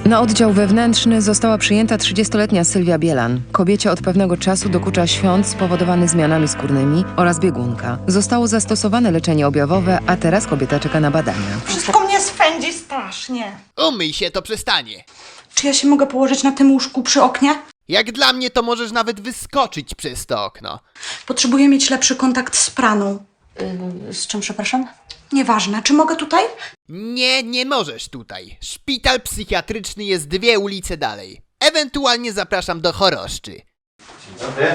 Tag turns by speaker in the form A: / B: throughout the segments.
A: Na oddział wewnętrzny została przyjęta 30-letnia Sylwia Bielan. Kobiecie od pewnego czasu dokucza świąt spowodowany zmianami skórnymi oraz biegunka. Zostało zastosowane leczenie objawowe, a teraz kobieta czeka na badania.
B: Wszystko mnie swędzi strasznie.
C: Umyj się, to przestanie.
B: Czy ja się mogę położyć na tym łóżku przy oknie?
C: Jak dla mnie, to możesz nawet wyskoczyć przez to okno.
B: Potrzebuję mieć lepszy kontakt z praną.
D: Z czym, przepraszam?
B: Nieważne. Czy mogę tutaj?
C: Nie, nie możesz tutaj. Szpital psychiatryczny jest 2 ulice dalej. Ewentualnie zapraszam do Choroszczy.
E: Dzień dobry.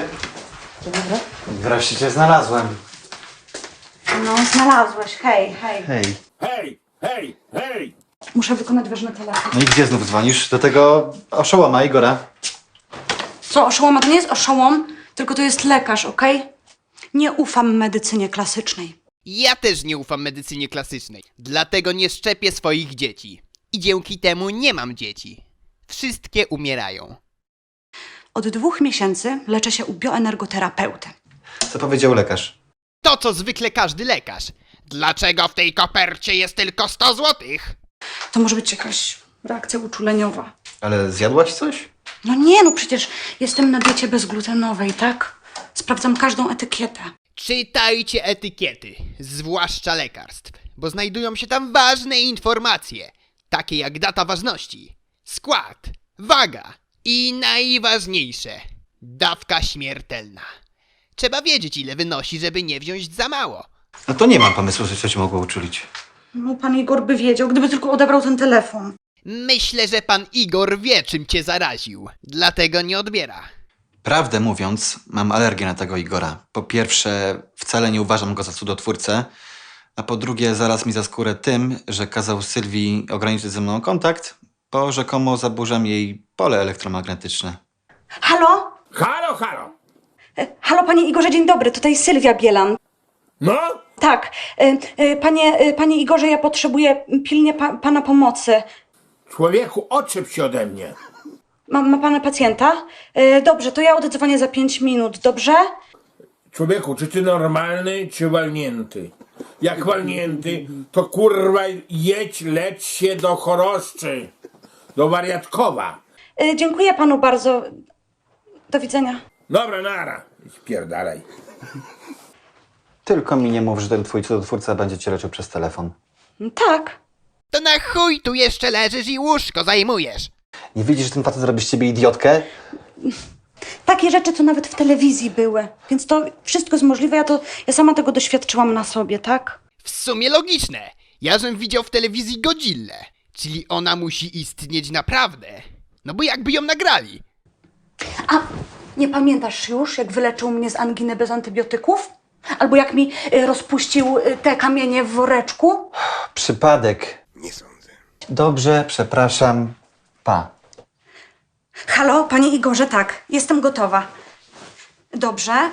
E: Wreszcie cię znalazłem.
B: No, znalazłeś. Hej, hej.
E: Hej.
F: Hej, hej, hej!
B: Muszę wykonać ważny telefon.
E: No i gdzie znów dzwonisz? Do tego oszołoma Igora.
B: Co, oszołoma? To nie jest oszołom, tylko to jest lekarz, okej? Nie ufam medycynie klasycznej.
C: Ja też nie ufam medycynie klasycznej. Dlatego nie szczepię swoich dzieci. I dzięki temu nie mam dzieci. Wszystkie umierają.
B: Od 2 miesięcy leczę się u bioenergoterapeuty.
E: Co powiedział lekarz?
C: To, co zwykle każdy lekarz. Dlaczego w tej kopercie jest tylko 100 złotych?
B: To może być jakaś reakcja uczuleniowa.
E: Ale zjadłaś coś?
B: No nie, no przecież jestem na diecie bezglutenowej, tak? Sprawdzam każdą etykietę.
C: Czytajcie etykiety, zwłaszcza lekarstw, bo znajdują się tam ważne informacje, takie jak data ważności, skład, waga i najważniejsze, dawka śmiertelna. Trzeba wiedzieć, ile wynosi, żeby nie wziąć za mało.
E: No to nie mam pomysłu, że coś mogło uczulić.
B: No pan Igor by wiedział, gdyby tylko odebrał ten telefon.
C: Myślę, że pan Igor wie, czym cię zaraził, dlatego nie odbiera.
E: Prawdę mówiąc, mam alergię na tego Igora. Po pierwsze, wcale nie uważam go za cudotwórcę, a po drugie, zaraz mi za skórę tym, że kazał Sylwii ograniczyć ze mną kontakt, bo rzekomo zaburzam jej pole elektromagnetyczne.
B: Halo?
F: Halo, halo!
B: Halo, panie Igorze, dzień dobry, tutaj Sylwia Bielan.
F: No?
B: Tak, panie Igorze, ja potrzebuję pilnie pana pomocy.
F: Człowieku, odczep się ode mnie.
B: Ma pan pacjenta? Dobrze, to ja oddzwonię za 5 minut, dobrze?
F: Człowieku, czy ty normalny, czy walnięty? Jak walnięty, to kurwa jedź, leć się do Choroszczy. Do Wariatkowa.
B: Dziękuję panu bardzo. Do widzenia.
F: Dobra, nara. Spierdalaj.
E: Tylko mi nie mów, że ten twój cudotwórca będzie cię leczył przez telefon.
B: Tak.
C: To na chuj tu jeszcze leżysz i łóżko zajmujesz.
E: Nie widzisz, że ten facet zrobi z ciebie idiotkę?
B: Takie rzeczy, co nawet w telewizji były. Więc to wszystko jest możliwe. Ja sama tego doświadczyłam na sobie, tak?
C: W sumie logiczne. Ja żem widział w telewizji Godzillę, czyli ona musi istnieć naprawdę. No bo jakby ją nagrali.
B: A nie pamiętasz już, jak wyleczył mnie z anginy bez antybiotyków? Albo jak mi rozpuścił te kamienie w woreczku?
E: Przypadek.
F: Nie sądzę.
E: Dobrze, przepraszam. Pa.
B: Halo, panie Igorze, tak, jestem gotowa. Dobrze,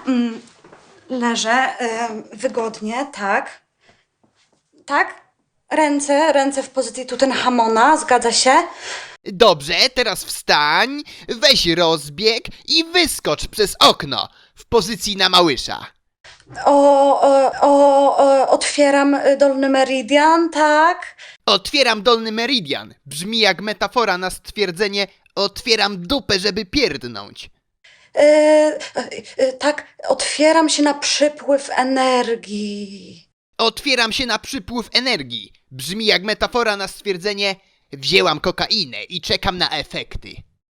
B: leżę wygodnie, tak. Tak? Ręce w pozycji Tutenhamona, zgadza się?
C: Dobrze, teraz wstań, weź rozbieg i wyskocz przez okno w pozycji na małysza.
B: Otwieram dolny meridian, tak.
C: Otwieram dolny meridian. Brzmi jak metafora na stwierdzenie otwieram dupę, żeby pierdnąć.
B: Tak, otwieram się na przypływ energii.
C: Otwieram się na przypływ energii. Brzmi jak metafora na stwierdzenie wzięłam kokainę i czekam na efekty.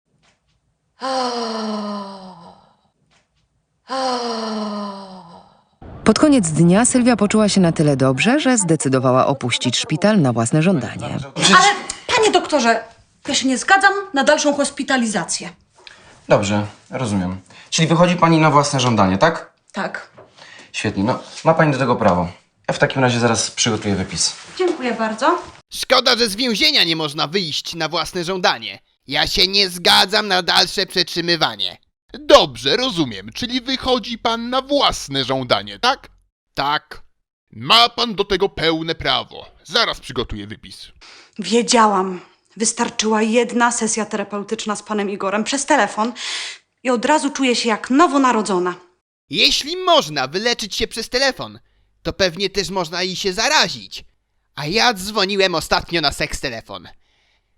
A: Pod koniec dnia Sylwia poczuła się na tyle dobrze, że zdecydowała opuścić szpital na własne żądanie.
B: Ale, panie doktorze, ja się nie zgadzam na dalszą hospitalizację.
G: Dobrze, rozumiem. Czyli wychodzi pani na własne żądanie, tak?
B: Tak.
G: Świetnie, no ma pani do tego prawo. Ja w takim razie zaraz przygotuję wypis.
B: Dziękuję bardzo.
C: Szkoda, że z więzienia nie można wyjść na własne żądanie. Ja się nie zgadzam na dalsze przetrzymywanie.
H: Dobrze, rozumiem, czyli wychodzi pan na własne żądanie, tak?
C: Tak.
H: Ma pan do tego pełne prawo. Zaraz przygotuję wypis.
B: Wiedziałam. Wystarczyła jedna sesja terapeutyczna z panem Igorem przez telefon i od razu czuję się jak nowonarodzona.
C: Jeśli można wyleczyć się przez telefon, to pewnie też można i się zarazić. A ja dzwoniłem ostatnio na seks telefon.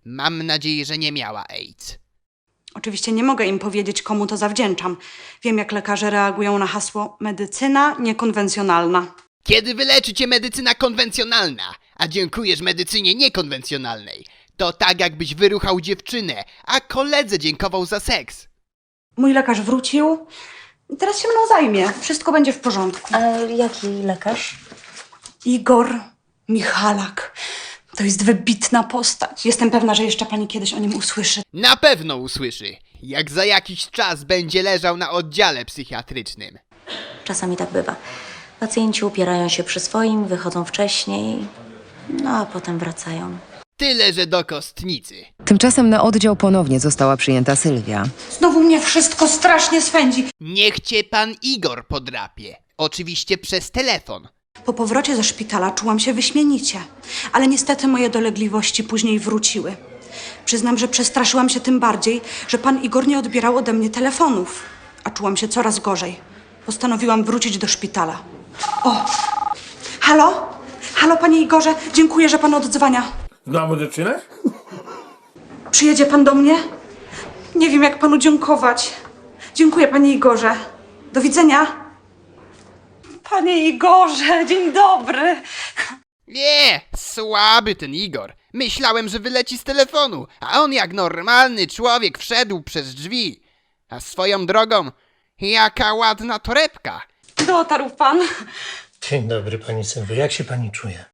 C: Mam nadzieję, że nie miała AIDS.
B: Oczywiście nie mogę im powiedzieć, komu to zawdzięczam. Wiem, jak lekarze reagują na hasło medycyna niekonwencjonalna.
C: Kiedy wyleczy cię medycyna konwencjonalna, a dziękujesz medycynie niekonwencjonalnej, to tak jakbyś wyruchał dziewczynę, a koledze dziękował za seks.
B: Mój lekarz wrócił i teraz się mną zajmie. Wszystko będzie w porządku.
D: A jaki lekarz?
B: Igor Michalak. To jest wybitna postać. Jestem pewna, że jeszcze pani kiedyś o nim usłyszy.
C: Na pewno usłyszy, jak za jakiś czas będzie leżał na oddziale psychiatrycznym.
D: Czasami tak bywa. Pacjenci upierają się przy swoim, wychodzą wcześniej, no a potem wracają.
C: Tyle, że do kostnicy.
A: Tymczasem na oddział ponownie została przyjęta Sylwia.
B: Znowu mnie wszystko strasznie swędzi.
C: Niech cię pan Igor podrapie. Oczywiście przez telefon.
B: Po powrocie ze szpitala czułam się wyśmienicie, ale niestety moje dolegliwości później wróciły. Przyznam, że przestraszyłam się tym bardziej, że pan Igor nie odbierał ode mnie telefonów, a czułam się coraz gorzej. Postanowiłam wrócić do szpitala. O! Halo? Halo, panie Igorze, dziękuję, że pan odzwania.
F: Znowu zaczynasz?
B: Przyjedzie pan do mnie? Nie wiem, jak panu dziękować. Dziękuję, panie Igorze. Do widzenia. Panie Igorze, dzień dobry.
C: Nie, słaby ten Igor. Myślałem, że wyleci z telefonu, a on jak normalny człowiek wszedł przez drzwi. A swoją drogą, jaka ładna torebka.
B: Dotarł pan.
I: Dzień dobry, pani Sylwio. Jak się pani czuje?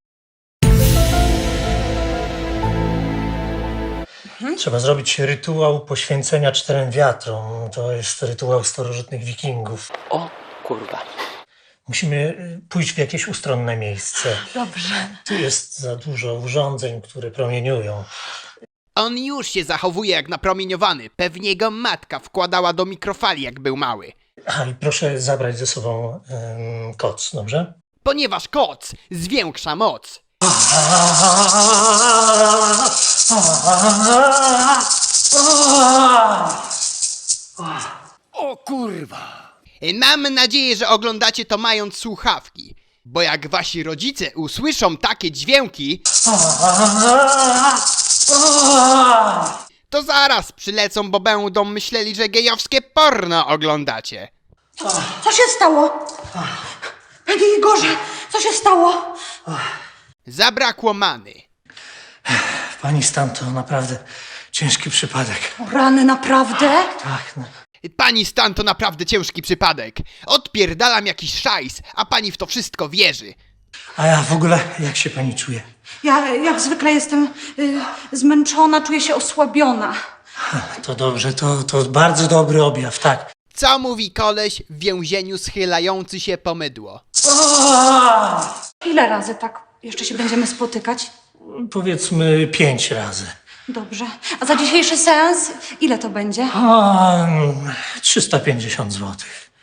I: Trzeba zrobić rytuał poświęcenia 4 wiatrom. To jest rytuał starożytnych wikingów.
J: O kurwa.
I: Musimy pójść w jakieś ustronne miejsce.
B: Dobrze.
I: Tu jest za dużo urządzeń, które promieniują.
C: On już się zachowuje jak napromieniowany. Pewnie go matka wkładała do mikrofali, jak był mały.
I: A i proszę zabrać ze sobą koc, dobrze?
C: Ponieważ koc zwiększa moc.
J: O kurwa.
C: Mam nadzieję, że oglądacie to mając słuchawki. Bo jak wasi rodzice usłyszą takie dźwięki, to zaraz przylecą, bo będą myśleli, że gejowskie porno oglądacie.
B: Co się stało? Panie Igorze, co się stało?
C: Zabrakło many.
I: Pani stan to naprawdę ciężki przypadek.
B: O rany, naprawdę?
I: Tak, no.
C: Pani stan to naprawdę ciężki przypadek. Odpierdalam jakiś szajs, a pani w to wszystko wierzy.
I: A ja w ogóle, jak się pani czuje?
B: Ja jak zwykle jestem zmęczona, czuję się osłabiona.
I: To dobrze, to bardzo dobry objaw, tak.
C: Co mówi koleś w więzieniu schylający się po mydło?
B: Ile razy tak jeszcze się będziemy spotykać?
I: Powiedzmy 5 razy.
B: Dobrze. A za dzisiejszy seans ile to będzie?
I: 350 zł.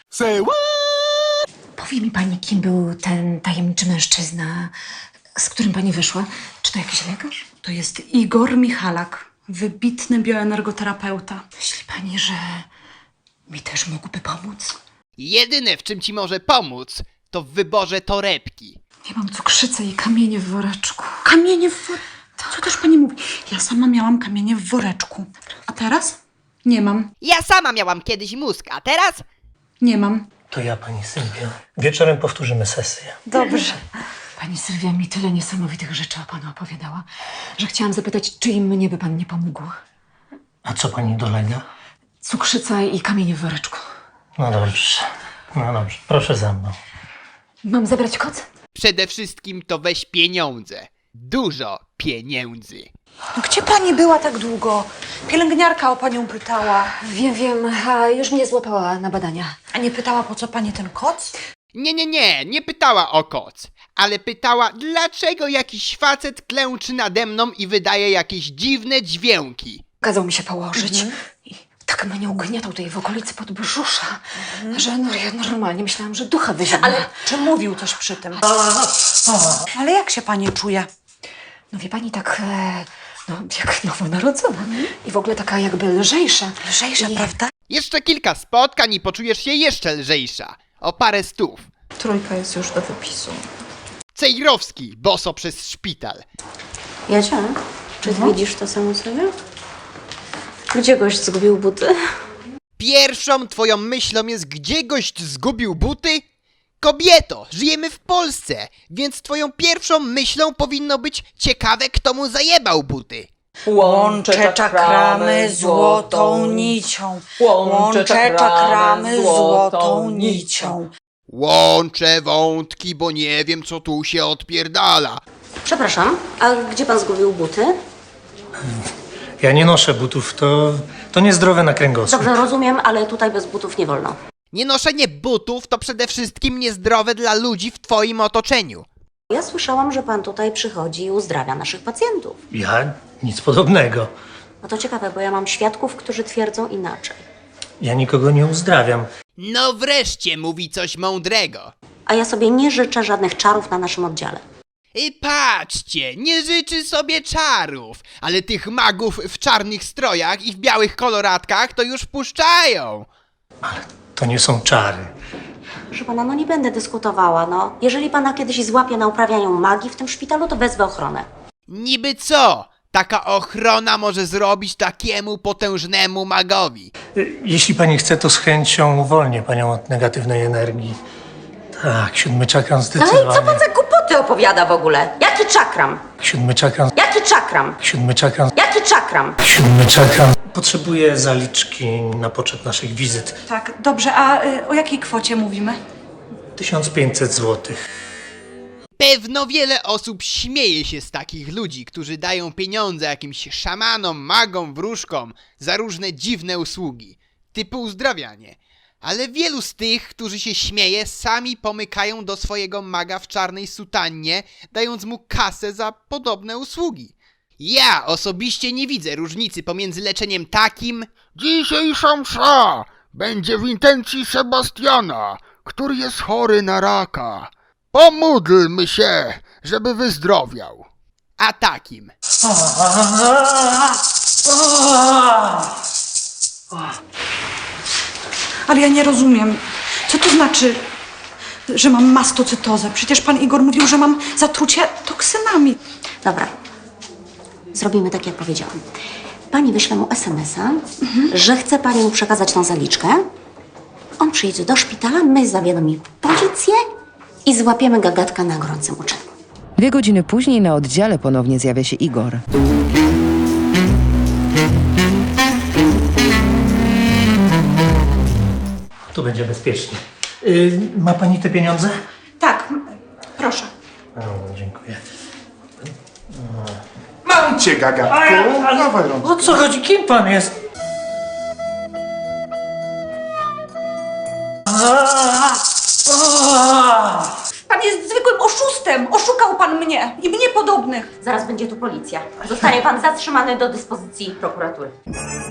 D: Powie mi pani, kim był ten tajemniczy mężczyzna, z którym pani wyszła? Czy to jakiś lekarz?
B: To jest Igor Michalak, wybitny bioenergoterapeuta.
D: Myśli pani, że mi też mógłby pomóc?
C: Jedyne, w czym ci może pomóc, to w wyborze torebki.
D: Ja mam cukrzycę i kamienie w woreczku.
B: Kamienie w woreczku? Co też pani mówi? Ja sama miałam kamienie w woreczku. A teraz? Nie mam.
C: Ja sama miałam kiedyś mózg, a teraz?
B: Nie mam.
I: To ja, pani Sylwia. Wieczorem powtórzymy sesję.
B: Dobrze.
D: Pani Sylwia mi tyle niesamowitych rzeczy o panu opowiadała, że chciałam zapytać, czy i mnie by pan nie pomógł.
I: A co pani dolega?
D: Cukrzyca i kamienie w woreczku.
I: No dobrze. Proszę za mną.
D: Mam zabrać koc?
C: Przede wszystkim to weź pieniądze. Dużo pieniędzy.
B: No gdzie pani była tak długo? Pielęgniarka o panią pytała.
D: Wiem, a już mnie złapała na badania.
B: A nie pytała, po co pani ten koc?
C: Nie pytała o koc, ale pytała, dlaczego jakiś facet klęczy nade mną i wydaje jakieś dziwne dźwięki.
D: Kazał mi się położyć i tak mnie ugniatał tutaj w okolicy podbrzusza, że no, ja normalnie myślałam, że ducha wyzięła.
B: Ale czy mówił coś przy tym? Ale jak się pani czuje?
D: No wie pani, tak jak nowonarodzona i w ogóle taka jakby lżejsza.
B: Lżejsza, prawda?
C: Jeszcze kilka spotkań i poczujesz się jeszcze lżejsza. O parę stów.
D: 3 jest już do wypisu.
C: Cejrowski, boso przez szpital.
D: Jadzia,
K: Czy widzisz to samo sobie? Gdzie gość zgubił buty?
C: Pierwszą twoją myślą jest, gdzie gość zgubił buty? Kobieto, żyjemy w Polsce, więc twoją pierwszą myślą powinno być ciekawe, kto mu zajebał buty.
L: Łączę czakramy złotą nicią. Łączę czakramy złotą nicią.
C: Łączę wątki, bo nie wiem, co tu się odpierdala.
K: Przepraszam, a gdzie pan zgubił buty?
I: Ja nie noszę butów, to niezdrowe na kręgosłup.
K: Dobrze, rozumiem, ale tutaj bez butów nie wolno.
C: Nienoszenie butów to przede wszystkim niezdrowe dla ludzi w twoim otoczeniu.
K: Ja słyszałam, że pan tutaj przychodzi i uzdrawia naszych pacjentów.
I: Ja nic podobnego.
K: No to ciekawe, bo ja mam świadków, którzy twierdzą inaczej.
I: Ja nikogo nie uzdrawiam.
C: No wreszcie mówi coś mądrego.
K: A ja sobie nie życzę żadnych czarów na naszym oddziale.
C: I patrzcie, nie życzy sobie czarów, ale tych magów w czarnych strojach i w białych koloratkach to już puszczają.
I: To nie są czary.
K: Proszę pana, no nie będę dyskutowała, no. Jeżeli pana kiedyś złapie na uprawianiu magii w tym szpitalu, to wezwę ochronę.
C: Niby co? Taka ochrona może zrobić takiemu potężnemu magowi.
I: Jeśli pani chce, to z chęcią uwolnię panią od negatywnej energii. Tak, 7 czakram
K: No
I: zdecydowanie.
K: i co pan za głupoty opowiada w ogóle? Jaki czakram?
I: 7 czakram.
K: Jaki czakram?
I: 7 czakram.
K: Jaki czakram?
I: 7 czakram. Potrzebuję zaliczki na poczet naszych wizyt.
B: Tak, dobrze, a o jakiej kwocie mówimy?
I: 1500 zł.
C: Pewno wiele osób śmieje się z takich ludzi, którzy dają pieniądze jakimś szamanom, magom, wróżkom za różne dziwne usługi, typu uzdrawianie. Ale wielu z tych, którzy się śmieje, sami pomykają do swojego maga w czarnej sutannie, dając mu kasę za podobne usługi. Ja osobiście nie widzę różnicy pomiędzy leczeniem takim...
H: Dzisiejsza msza będzie w intencji Sebastiana, który jest chory na raka. Pomódlmy się, żeby wyzdrowiał.
C: a takim.
B: Ale ja nie rozumiem. Co to znaczy, że mam mastocytozę? Przecież pan Igor mówił, że mam zatrucie toksynami.
K: Dobra. Zrobimy tak, jak powiedziałam. Pani wyśle mu SMS-a, że chce pani mu przekazać tą zaliczkę. On przyjedzie do szpitala, my zawiadomimy policję i złapiemy gagatka na gorącym uczynku.
A: 2 godziny później na oddziale ponownie zjawia się Igor.
I: Tu będzie bezpiecznie. Ma pani te pieniądze?
B: Tak, proszę.
I: O, dziękuję.
J: Mam cię, gagatku. Dawaj,
I: O co chodzi? Kim pan jest?
B: Pan jest zwykłym oszustem. Oszukał pan mnie i mnie podobnych.
K: Zaraz będzie tu policja. Zostanie pan zatrzymany do dyspozycji prokuratury.